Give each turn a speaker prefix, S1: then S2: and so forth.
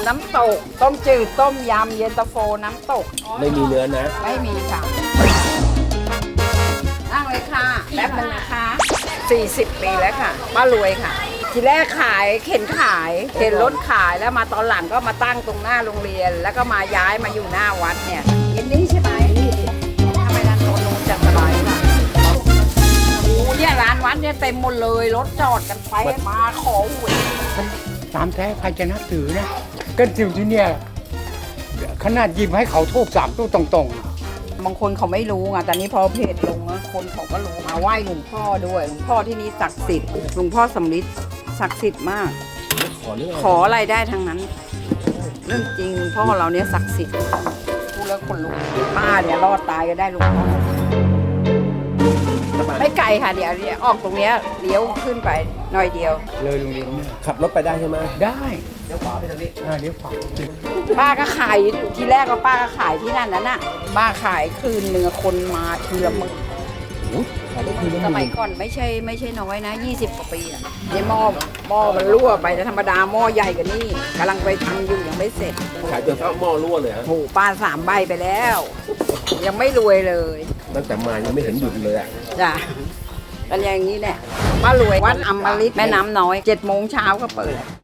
S1: น้ำตก ต้มจืดต้มยำเย็นตาโฟน้ำตก
S2: ไม่มีเนื้อนะ
S1: ไม่มีค่ะนั่งเลยค่ะแป๊บนึงนะคะ40 ปีแล้วค่ะป้ารวยค่ะ ทีแรกขายเข็นรถขายแล้วมาตอนหลังก็มาตั้งตรงหน้าโรงเรียน แล้วก็มาย้ายมาอยู่หน้าวัดเนี่ยยินนี่ใช่ไหมทำไมร้านโน้นจัดสบายค่ะโอ้เนี่ยร้านวัดเนี่ยเต็มหมดเลยรถจอดกันไปมาขอหวย
S3: ตามแท้ใครจะนับถือนะก็อยู่ที่เนี่ยขนาดหยิบให้เขาทูบ3 ตู้ตรงๆ
S1: บางคนเขาไม่รู้ไงแต่นี้พอเพจลงนะคนเขาก็รู้มาไหว้หลวงพ่อด้วยหลวงพ่อที่นี่ศักดิ์สิทธิ์หลวงพ่อสำริดศักดิ์สิทธิ์มาก
S2: ขอเรื่อง
S1: ขออะไรได้ทั้งนั้น เรื่องจริงพ่อเราเนี่ยศักดิ์สิทธิ์พูดแล้วคนลุกป้าเนี่ยรอดตายก็ได้หลวงพ่อไม่ไกลค่ะเดี๋ยวออกตรงเนี้ยเลี้ยวขึ้นไปหน่อยเดียว
S3: เลยโรงเรียนเนี่ย
S2: ขับรถไปได้ใช่ไหม
S3: ได้เดี๋ยวขวาไปทางนี้เดี๋ยวขวา
S1: ป้าก็ขายทีแรกก็ป้าก็ขายที่นั่นน่ะป้าขายคืนเนื้อคนมาทีละมื้อ
S2: ขายได้คืนละ
S1: สมัยก่อนไม่ใช่น้อยนะ20 กว่าปีอ่ะเนี่ยหม้อมันรั่วไปแต่ธรรมดาหม้อใหญ่กว่านี่กำลังไปทำอยู่ยังไม่เสร็จ
S2: ขายจนเข้าหม้อรั่วเลยฮะ
S1: โหป้า3 ใบไปแล้ว ยังไม่รวยเลย
S2: ตั้งแต่มายังไม่เห็นหยุดเลยอ่ะ
S1: จ้ะกันอย่างนี้แหละป้ารวยวัดอมฤตแม่น้ำน้อย7 โมงเช้าก็เปิด